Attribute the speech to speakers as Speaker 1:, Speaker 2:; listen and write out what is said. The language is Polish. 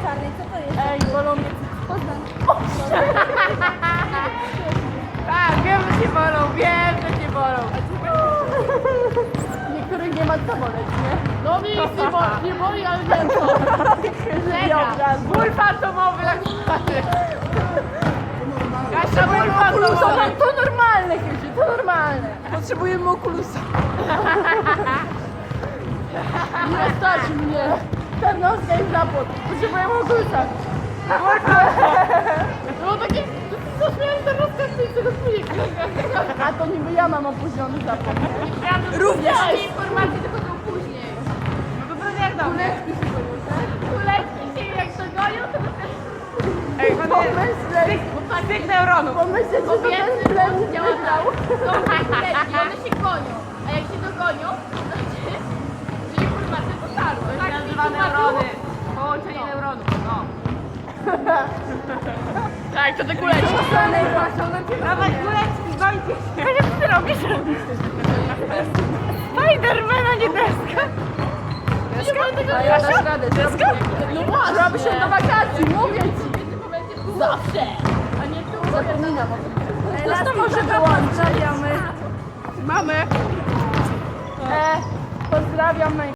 Speaker 1: czarnej, co to jest?
Speaker 2: Ej, bolą mnie.
Speaker 1: Poznań.
Speaker 2: Tak, wiem, że się bolą, wiem, że się bolą.
Speaker 3: Niektórych nie ma co boleć, nie?
Speaker 2: No mi nic nie boli, ale wiem co. Ból fantomowy na przykład. Kasia, ból fantomowy.
Speaker 3: To normalne, Krysiu, to normalne.
Speaker 1: Potrzebujemy okulusa.
Speaker 3: Nie stać mnie. Ta noska jest zapłot. Potrzebujemy okulusa.
Speaker 2: No takie, co śmiałem ten rozkaz z tego spójnika.
Speaker 3: A to niby ja mam opóźniony zapłot.
Speaker 2: Również. Informacje tylko są później. No to jak dam.
Speaker 3: Kuleczki się boją, tak?
Speaker 2: Kuleczki się jak to gonią, to Ej,
Speaker 3: Pomyśleć,
Speaker 2: tych neuronów.
Speaker 3: pomyśleć, że to
Speaker 2: Kobiety
Speaker 3: ten plem
Speaker 2: działa
Speaker 3: wygrał.
Speaker 2: tak. Są kuleczki, one się gonią. A jak się dogonią, to znaczy, że informacje dotarły. To się nazywa neurony. Połączenie neuronów. No. Tak, to te kuleczki. Dawaj kuleczki, gońcie się. Kasia, co ty robisz? Spidermana, nie deska.
Speaker 3: A ja dasz radę. No właśnie. Zrobi się do wakacji, mówię ci.
Speaker 2: Zawsze. A nie tu.
Speaker 3: Zapominam o tym.
Speaker 1: Nas to może wyłączać.
Speaker 2: Mamy.
Speaker 3: Pozdrawiam.